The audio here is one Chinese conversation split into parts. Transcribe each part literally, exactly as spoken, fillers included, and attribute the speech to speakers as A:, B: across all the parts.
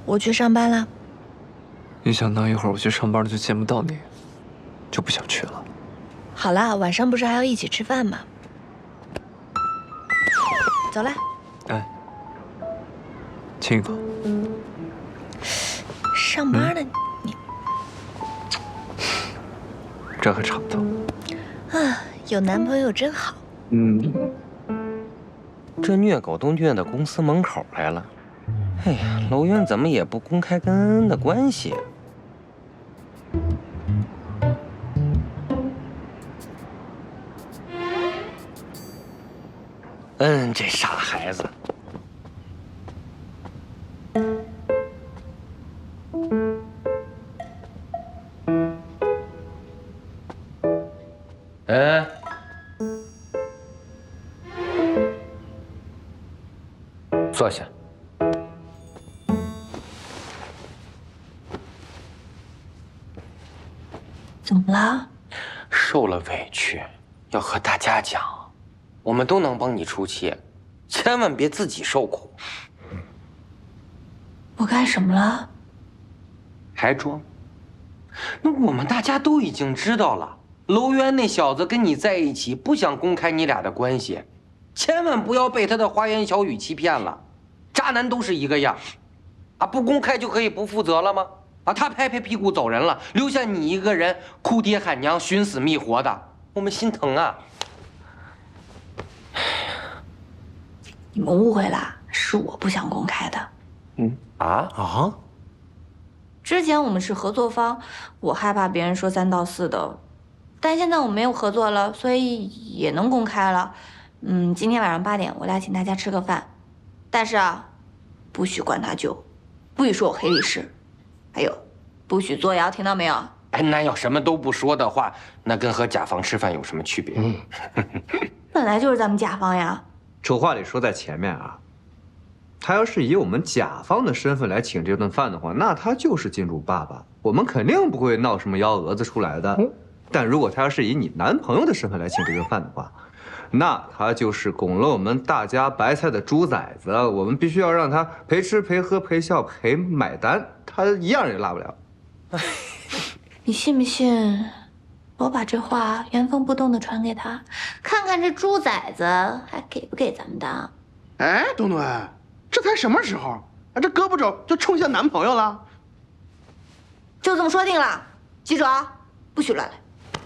A: 我去上班了。
B: 一想到一会儿我去上班了就见不到你，就不想去了。
A: 好啦，晚上不是还要一起吃饭吗？走啦。
B: 哎，亲一口。
A: 上班呢，你。
B: 这还差不多。
A: 啊，有男朋友真好。
B: 嗯。
C: 这虐狗都虐到公司门口来了。哎呀，楼渊怎么也不公开跟恩恩的关系？嗯，这傻孩子。嗯。坐下。
A: 怎么了？
C: 受了委屈，要和大家讲。我们都能帮你出气，千万别自己受苦。
A: 我干什么了？
C: 还装？那我们大家都已经知道了，楼渊那小子跟你在一起，不想公开你俩的关系，千万不要被他的花言巧语欺骗了。渣男都是一个样，啊，不公开就可以不负责了吗？啊，他拍拍屁股走人了，留下你一个人哭爹喊娘、寻死觅活的，我们心疼啊！
A: 你们误会了，是我不想公开的。
C: 嗯啊啊！
A: 之前我们是合作方，我害怕别人说三道四的，但现在我们没有合作了，所以也能公开了。嗯，今天晚上八点我来请大家吃个饭，但是啊，不许灌他酒，不许说我黑历史，还有，不许作谣，听到没有？
C: 哎，那要什么都不说的话，那跟和甲方吃饭有什么区别？嗯，
A: 本来就是咱们甲方呀。
D: 丑话得说在前面啊，他要是以我们甲方的身份来请这顿饭的话，那他就是金主爸爸，我们肯定不会闹什么幺蛾子出来的。嗯、但如果他要是以你男朋友的身份来请这顿饭的话，那他就是拱了我们大家白菜的猪崽子，我们必须要让他陪吃陪喝陪笑陪买单，他一样也落不了。
A: 你信不信？我把这话原封不动的传给他，看看这猪崽子还给不给咱们当。
E: 哎，东东，这才什么时候啊？这胳膊肘就冲向男朋友了？
A: 就这么说定了，记住啊，不许乱来。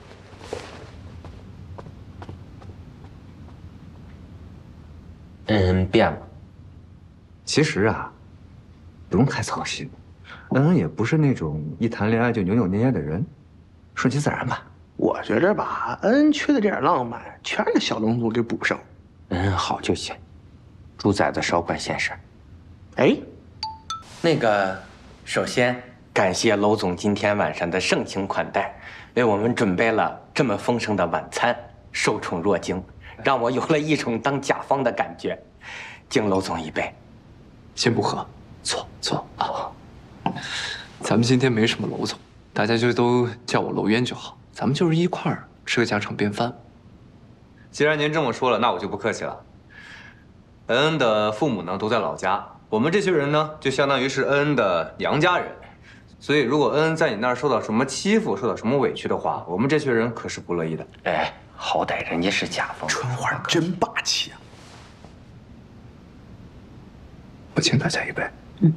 C: 嗯，变了。
D: 其实啊，不用太操心，恩恩也不是那种一谈恋爱就扭扭捏捏的人，顺其自然吧。
E: 我觉着吧，恩恩缺的这点浪漫，全让小龙族给补上。
C: 恩恩好就行，猪崽子少管闲事。
E: 哎，
C: 那个，首先感谢娄总今天晚上的盛情款待，为我们准备了这么丰盛的晚餐，受宠若惊，让我有了一种当甲方的感觉。敬娄总一杯。
B: 先不喝，坐坐啊。咱们今天没什么娄总，大家就都叫我娄渊就好。咱们就是一块儿吃个家常便饭。
D: 既然您这么说了，那我就不客气了。恩恩的父母呢都在老家，我们这群人呢就相当于是恩恩的娘家人，所以如果恩恩在你那儿受到什么欺负、受到什么委屈的话，我们这群人可是不乐意的。
C: 哎，好歹人家是甲方，
E: 春花真霸气啊！
B: 我请大家一杯。
A: 嗯。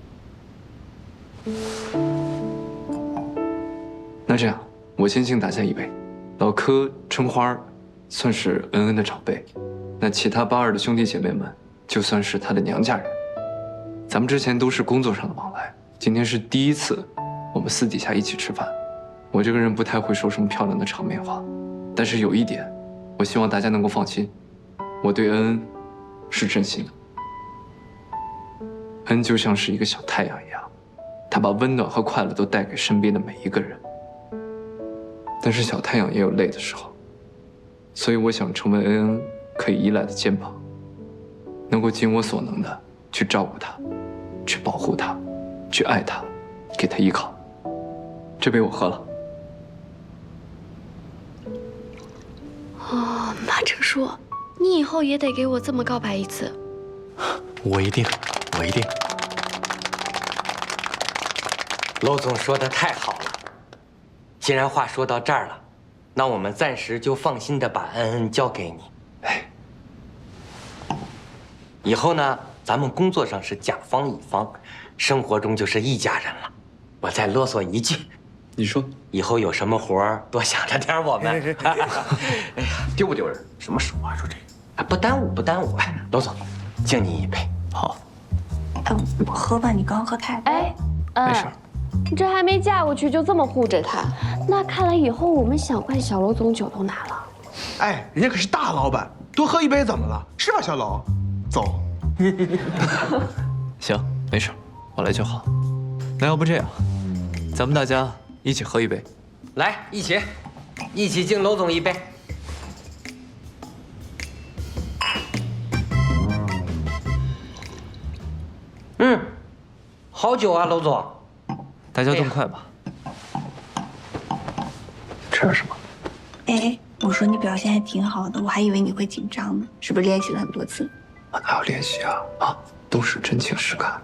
B: 那这样，我先敬大家一杯。老柯、春花算是恩恩的长辈，那其他八二的兄弟姐妹们就算是他的娘家人。咱们之前都是工作上的往来，今天是第一次我们私底下一起吃饭。我这个人不太会说什么漂亮的场面话，但是有一点，我希望大家能够放心，我对恩恩是真心的。恩就像是一个小太阳一样，他把温暖和快乐都带给身边的每一个人。但是小太阳也有累的时候，所以我想成为恩恩可以依赖的肩膀，能够尽我所能的去照顾他，去保护他，去爱他，给他依靠。这杯我喝了。
F: 哦，马成叔，你以后也得给我这么告白一次。
G: 我一定，我一定。
C: 娄总说的太好了。既然话说到这儿了，那我们暂时就放心的把恩恩交给你。
B: 哎，
C: 以后呢，咱们工作上是甲方乙方，生活中就是一家人了。我再啰嗦一句，
B: 你说，
C: 以后有什么活儿多想着点我们。哎呀，
B: 丢不丢人？
E: 什么说话说这个？
C: 啊，不耽误，不耽误。哎，娄总，敬你一杯。
B: 好，
A: 哎，我喝吧，你刚刚喝太多。
F: 哎，
B: 没事儿。
F: 你这还没嫁过去就这么护着他，那看来以后我们想灌小娄总酒都难了。
E: 哎，人家可是大老板，多喝一杯怎么了？是吧，小娄？走。
B: 行，没事儿，我来就好。那要不这样，咱们大家一起喝一杯。
C: 来，一起，一起敬娄总一杯。嗯，好酒啊，娄总。
B: 大家动快吧。吃点什么？
A: 哎，我说你表现还挺好的，我还以为你会紧张呢，是不是练习了很多次？
B: 啊，哪有练习啊？啊，都是真情实感。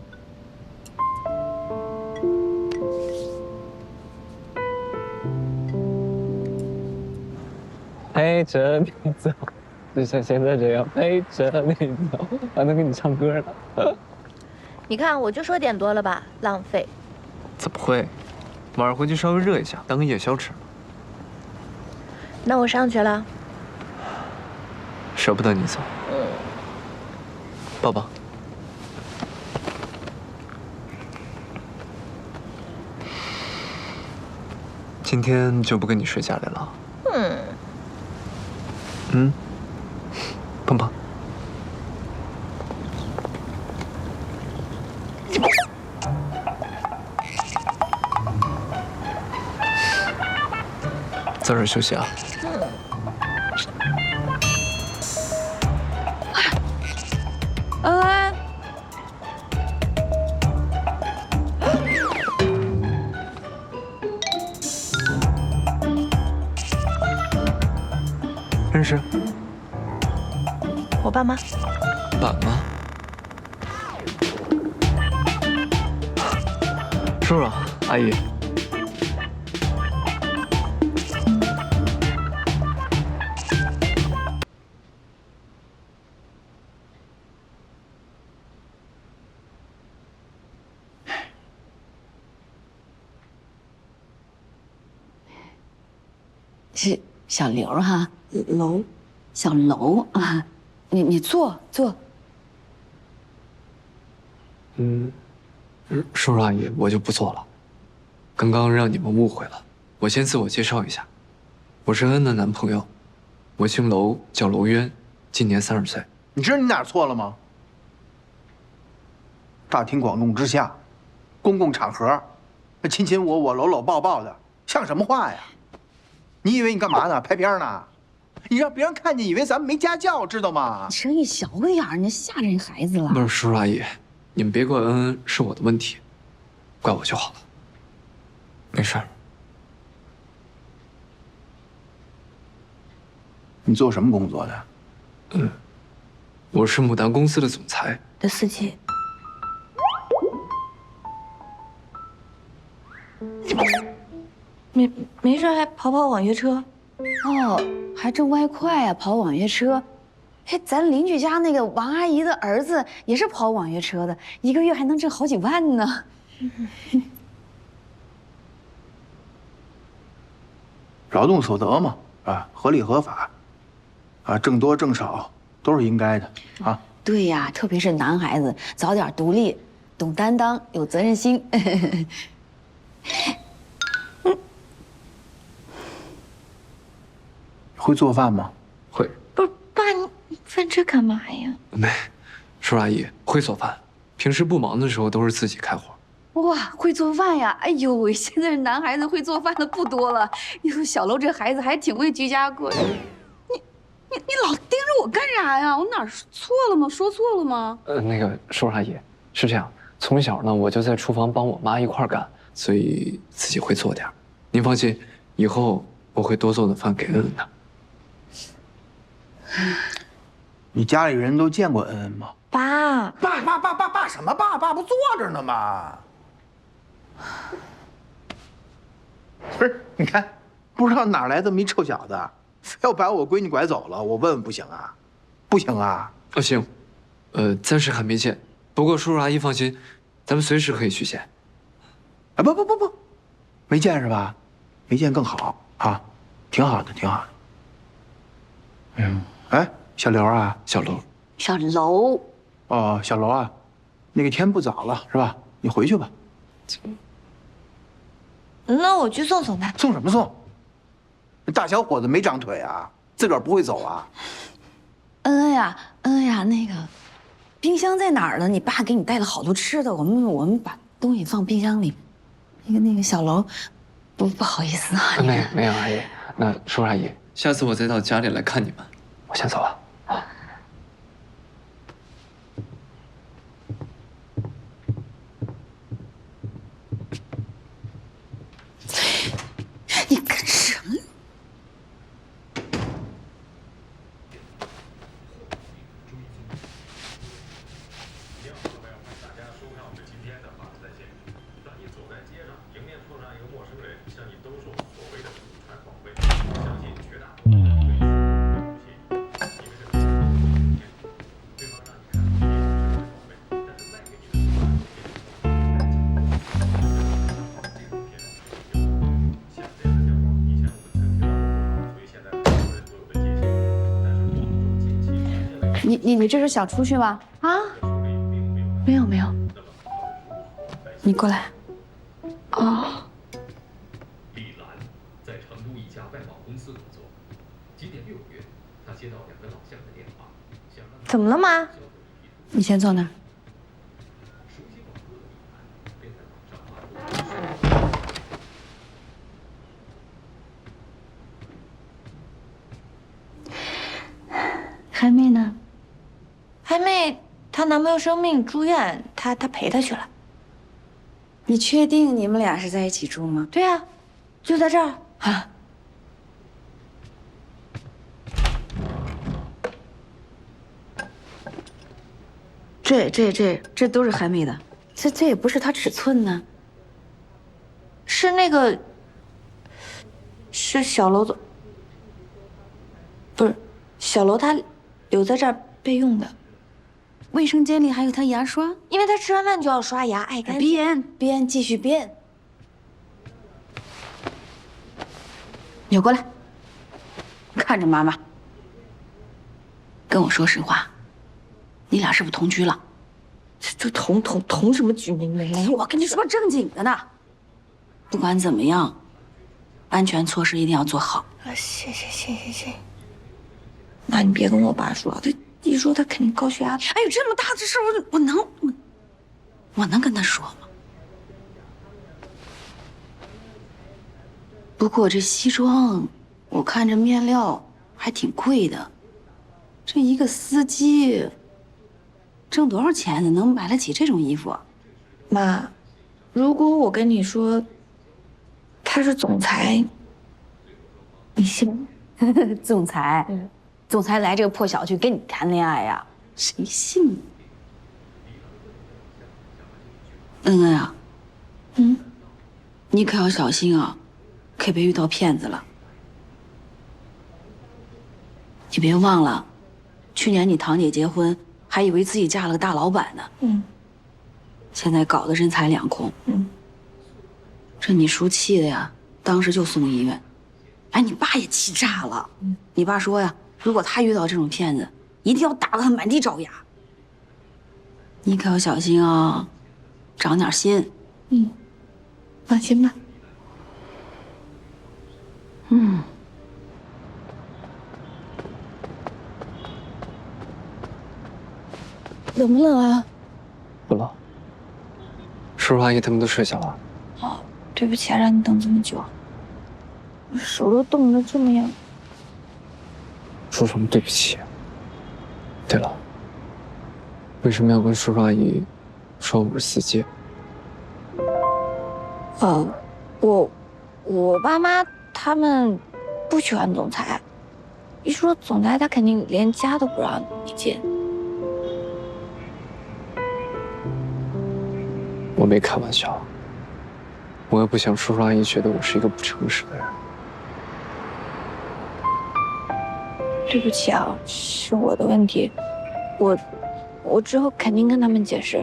G: 陪着你走，就像现在这样陪着你走，还能给你唱歌呢。
A: 你看，我就说点多了吧，浪费。
B: 怎么会？晚上回去稍微热一下，当个夜宵吃。
A: 那我上去了。
B: 舍不得你走。嗯。抱抱。今天就不跟你睡家里了。嗯。嗯。碰碰。早点休息啊。
A: 恩恩，
B: 认识？
A: 我爸妈。
B: 爸妈？叔叔，阿姨。
H: 是小刘哈，楼，小楼啊，你你坐坐。
B: 嗯，叔叔阿姨，我就不坐了。刚刚让你们误会了，我先自我介绍一下，我是恩恩的男朋友，我姓娄，叫娄渊，今年三十岁。
E: 你知道你哪儿错了吗？大庭广众之下，公共场合，那亲亲我我、搂搂抱抱的，像什么话呀？你以为你干嘛呢？拍片呢？你让别人看见，以为咱们没家教，知道吗？
H: 声音小个点儿，你吓人孩子了。
B: 不是叔叔阿姨，你们别怪恩恩，是我的问题，怪我就好了。没事儿。
E: 你做什么工作的？
B: 嗯，我是牡丹公司的总裁
A: 的司机。没没事，还跑跑网约车。
H: 哦，还挣外快啊，跑网约车。哎，咱邻居家那个王阿姨的儿子也是跑网约车的，一个月还能挣好几万呢。
E: 劳动所得嘛，啊，合理合法，啊，挣多挣少都是应该的啊。
H: 对呀，特别是男孩子，早点独立，懂担当，有责任心。
E: 会做饭吗？
B: 会。
A: 不是爸，你问这干嘛呀？
B: 没，叔叔阿姨会做饭，平时不忙的时候都是自己开火。
H: 哇，会做饭呀！哎呦喂，现在男孩子会做饭的不多了。哟，小楼这孩子还挺会居家过的。你你你老盯着我干啥呀？我哪儿错了吗？说错了吗？
B: 呃，那个叔叔阿姨是这样，从小呢我就在厨房帮我妈一块儿干，所以自己会做点儿。您放心，以后我会多做的饭给恩恩的。
E: 你家里人都见过恩恩吗？
A: 爸，
E: 爸爸爸爸爸什么爸？爸不坐着呢吗？ 不是，你看，不知道哪来这么一臭小子，非要把我闺女拐走了，我问问不行啊？不行啊？
B: 哦，行，呃，暂时还没见，不过叔叔阿姨放心，咱们随时可以去见。
E: 啊，不不不不，没见是吧？没见更好啊，挺好的，挺好的。嗯，哎，小刘啊，
B: 小楼，
H: 小楼，
E: 哦，小楼啊，那个天不早了是吧？你回去吧。
A: 那我去送送他。
E: 送什么送？那大小伙子没长腿啊，自个儿不会走啊？
H: 恩恩呀，恩恩呀，那个冰箱在哪儿呢？你爸给你带了好多吃的，我们我们把东西放冰箱里。那个那个小楼，不不好意思啊。
B: 没有没有，阿姨，那叔叔阿姨，下次我再到家里来看你们。我先走了。
H: 你干什么？你你你这是想出去吗？啊？没有没有。你过来。哦。
I: 李兰在成都一家外贸公司工作。今年六月，她接到两个老乡的电话，想让
A: 怎么了妈？
H: 你先坐那儿。海妹呢？
A: 海妹她男朋友生病住院，她她陪她去了。
H: 你确定你们俩是在一起住吗？
A: 对啊，就在这儿啊。
H: 这这这这都是海妹的，这这也不是她尺寸呢。
A: 是那个，是小楼总，不是小楼他留在这儿备用的。
H: 卫生间里还有她牙刷，
A: 因为他吃完饭就要刷牙，爱干净。
H: 编编继续编。扭过来，看着妈妈，跟我说实话，你俩是不是同居了？
A: 这这同同同什么居？没没有，
H: 我跟你说正经的呢。不管怎么样，安全措施一定要做好。
A: 啊，谢谢谢谢谢谢。那你别跟我爸说，他一说他肯定高血压。
H: 哎呦，这么大的事我我能我我能跟他说吗？不过这西装，我看这面料还挺贵的，这一个司机挣多少钱呢？能买得起这种衣服？
A: 妈，如果我跟你说他是总裁，你信吗？
H: 总裁，嗯，总裁来这个破小区跟你谈恋爱呀？谁信呢？恩恩啊，
A: 嗯，
H: 你可要小心啊，可别遇到骗子了。你别忘了，去年你堂姐结婚，还以为自己嫁了个大老板呢。
A: 嗯，
H: 现在搞得人财两空。
A: 嗯，
H: 这你叔气的呀，当时就送医院。哎，你爸也气炸了。嗯，你爸说呀，如果他遇到这种骗子，一定要打得他满地找牙。你可要小心啊，长点心。
A: 嗯，放心吧。
H: 嗯。冷不冷啊？
B: 不冷。叔叔阿姨他们都睡下了。
A: 哦，对不起啊，让你等这么久。我手都冻得这么样。
B: 说什么对不起？对了，为什么要跟叔叔阿姨说我是司机？
A: 哦，我我爸妈他们不喜欢总裁，一说总裁，他肯定连家都不让你进。
B: 我没开玩笑。 我也不想叔叔阿姨觉得我是一个不诚实的人。
A: 对不起啊，是我的问题，我我之后肯定跟他们解释。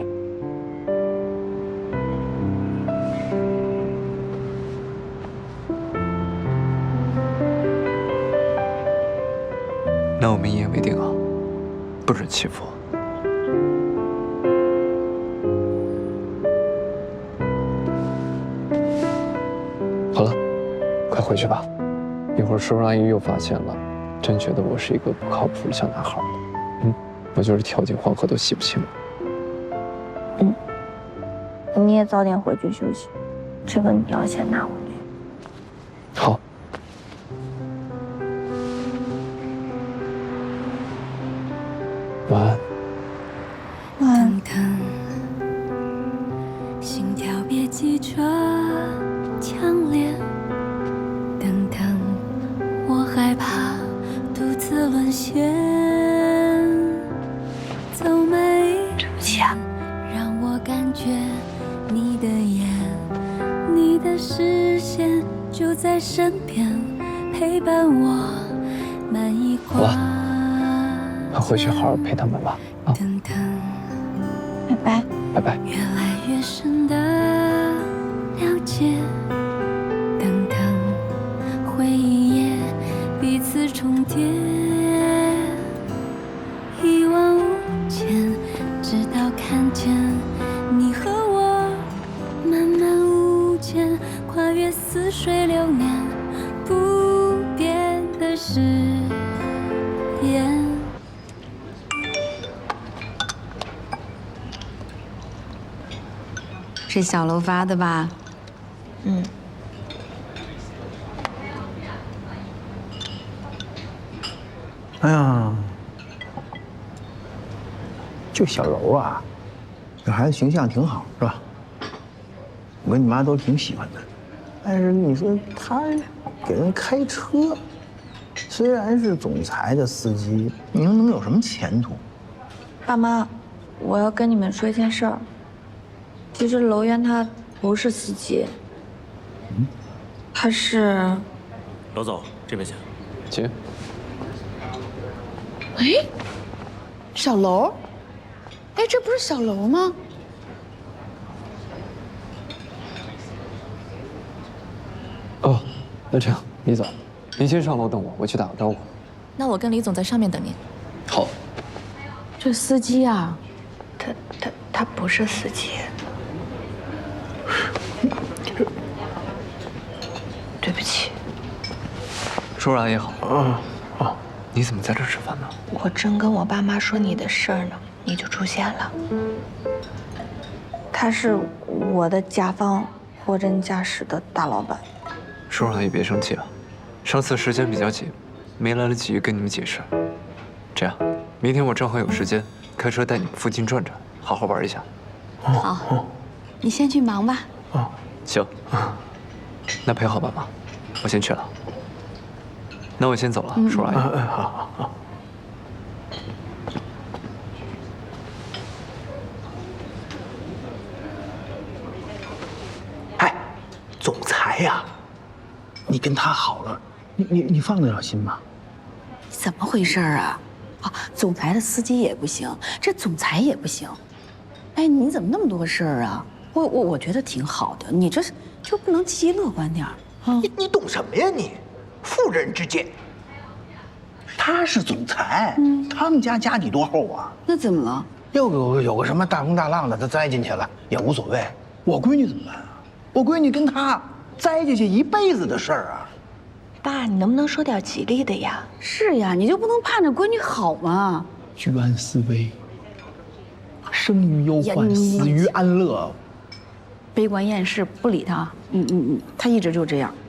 B: 那我们一言为定啊，不准欺负我。好了，快回去吧，一会儿叔叔阿姨又发现了，真觉得我是一个不靠谱的小男孩。嗯，我就是跳进黄河都洗不清了。
A: 嗯，你也早点回去休息，这个你要先拿回去。
B: 好。晚安。
A: 晚安。
J: 等等，心跳别急着强烈。等等，我害怕独自沦陷。走每一天，让我感觉你的眼，你的视线就在身边，陪伴我满一
B: 好了，快回去好好陪他们吧。啊，
J: 等等，
A: 拜拜，
B: 拜拜。
J: 越来越深的了解，等等，回忆也彼此重叠，一往无前，直到看见你和我慢慢无间，跨越似水流年，不变的誓言。是小楼发的吧？
A: 嗯。
E: 哎呀，就小柔啊，这孩子形象挺好，是吧？我跟你妈都挺喜欢的。但是你说他给人开车，虽然是总裁的司机，你说能有什么前途？
A: 爸妈，我要跟你们说一件事儿。其实楼渊他不是司机，
E: 嗯，
A: 他是……
K: 楼总，这边请。
B: 请。
H: 哎，小楼，哎，这不是小楼吗？
B: 哦，那这样，李总，您先上楼等我，我去打个招呼。
L: 那我跟李总在上面等您。
B: 好。
H: 这司机啊，
A: 他他他不是司机。对不起。
B: 叔叔阿姨好。哦哦，你怎么在这儿吃饭呢？
A: 我正跟我爸妈说你的事儿呢，你就出现了。他是我的甲方货真价实的大老板。
B: 叔叔阿姨别生气啊，上次时间比较紧，没来得及跟你们解释。这样，明天我正好有时间，开车带你们附近转转，好好玩一下。
H: 好，你先去忙吧。
B: 哦，行。那陪好爸妈，我先去了。那我先走了，叔叔阿姨。
E: 嗯，好好好。哎，总裁呀，你跟他好了，你你你放得了心吗？
H: 怎么回事啊？啊，总裁的司机也不行，这总裁也不行。哎，你怎么那么多事儿啊？我我我觉得挺好的，你这就不能积极乐观点儿啊？
E: 你你懂什么呀你？妇人之见。他是总裁，嗯，他们家家底多厚啊？
H: 那怎么了？
E: 又有有个什么大风大浪的，他栽进去了也无所谓。我闺女怎么办啊？我闺女跟他栽进去一辈子的事儿啊！
A: 爸，你能不能说点吉利的呀？
H: 是呀，你就不能盼着闺女好吗？
E: 居安思危，生于忧患，死于安乐。
H: 悲观厌世，不理他。嗯嗯嗯，他一直就这样。